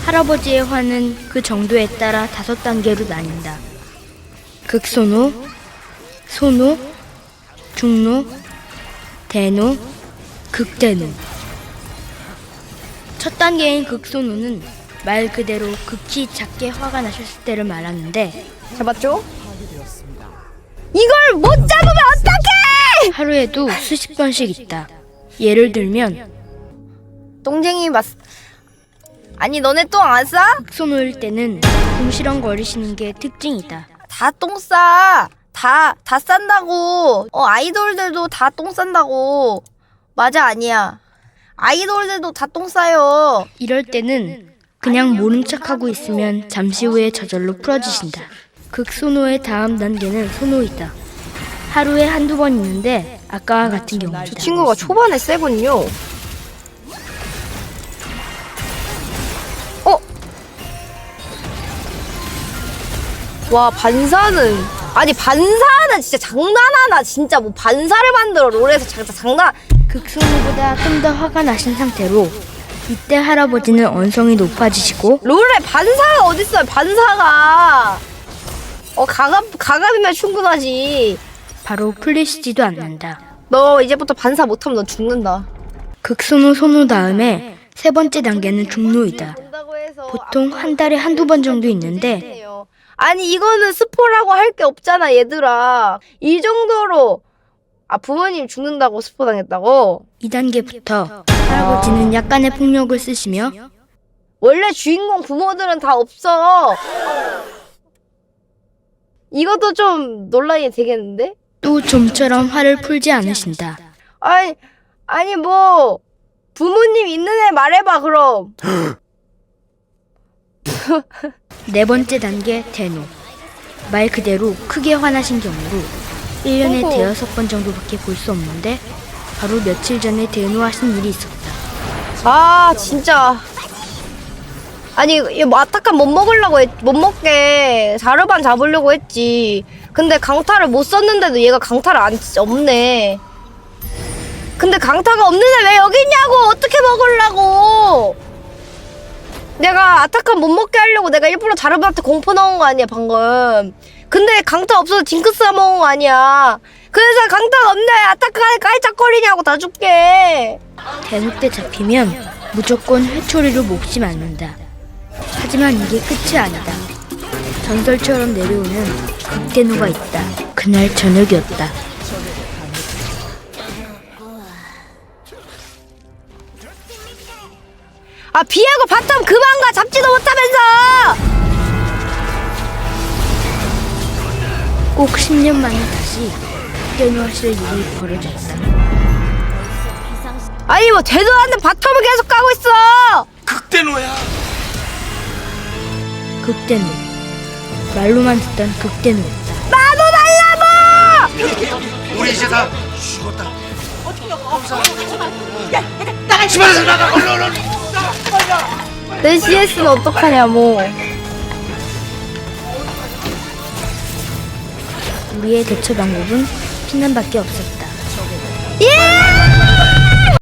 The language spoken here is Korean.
할아버지의 화는 그 정도에 따라 5단계로 나뉜다. 극소노, 소노, 중노, 대노, 극대노. 첫 단계인 극소노는 말 그대로 극히 작게 화가 나셨을 때를 말하는데, 잡았죠? 이걸 못 잡으면 어떡해! 하루에도 수십 번씩 있다. 예를 들면 똥쟁이 아니 너네 똥 안 싸? 극소노일 때는 궁시렁거리시는 게 특징이다. 다 똥 싸. 다 싼다고. 아이돌들도 다 똥 싼다고. 맞아 아니야. 아이돌들도 다 똥 싸요. 이럴 때는 그냥 모른 척하고 있으면 잠시 후에 저절로 풀어지신다. 극소노의 다음 단계는 소노이다. 하루에 한두 번 있는데 아까와 같은 경우이다. 저 친구가 초반에 세군요. 와 반사는 진짜 장난하나. 진짜 뭐 반사를 만들어 롤에서 장난. 극소노보다 좀 더 화가 나신 상태로 이때 할아버지는 언성이 높아지시고 롤에 반사가 어딨어요. 반사가 가갑이면 충분하지. 바로 풀리시지도 않는다. 너 이제부터 반사 못하면 너 죽는다. 극소노 소노 다음에 세 번째 단계는 중노이다. 보통 한 달에 한두 번 정도 있는데, 아니 이거는 스포라고 할 게 없잖아 얘들아. 이 정도로 부모님 죽는다고 스포 당했다고? 2단계부터 할아버지는 약간의 폭력을 쓰시며 원래 주인공 부모들은 다 없어. 이것도 좀 논란이 되겠는데? 또 좀처럼 화를 풀지 않으신다. 아니 뭐 부모님 있는 애 말해봐 그럼. 네 번째 단계 대노. 말 그대로 크게 화나신 경우로 1년에 어허. 대여섯 번 정도밖에 볼 수 없는데 바로 며칠 전에 대노하신 일이 있었다. 진짜. 아니 이거 아타칸 못 먹게 자르반 잡으려고 했지. 근데 강타를 못 썼는데도 얘가 강타를 없네. 근데 강타가 없는데 왜 여기 있냐고. 어떻게 먹으려고. 내가 아타칸 못 먹게 하려고 내가 일부러 자르반한테 공포 넣은 거 아니야 방금. 근데 강타 없어서 징크스가 먹은 거 아니야. 그래서 강타가 없네. 아타칸에 깔짝거리냐고 다 죽게. 대노 때 잡히면 무조건 회초리로 몫이 맞는다. 하지만 이게 끝이 아니다. 전설처럼 내려오는 극대노가 있다. 그날 저녁이었다. 비에고 바텀 그만 가. 잡지도 못하면서. 꼭 10년 만에 다시 극대노하실 일이 벌어졌다. 아니 뭐 되도 않는 바텀을 계속 가고 있어. 극대노야. 극대노. 말로만 듣던 극대노였다. 나도 달라고. 우리 이제 다 죽었다. 나가. 집안에서 나가. 얼른. 내 CS는 어떡하냐 뭐. 우리의 대처 방법은 피난밖에 없었다. 예!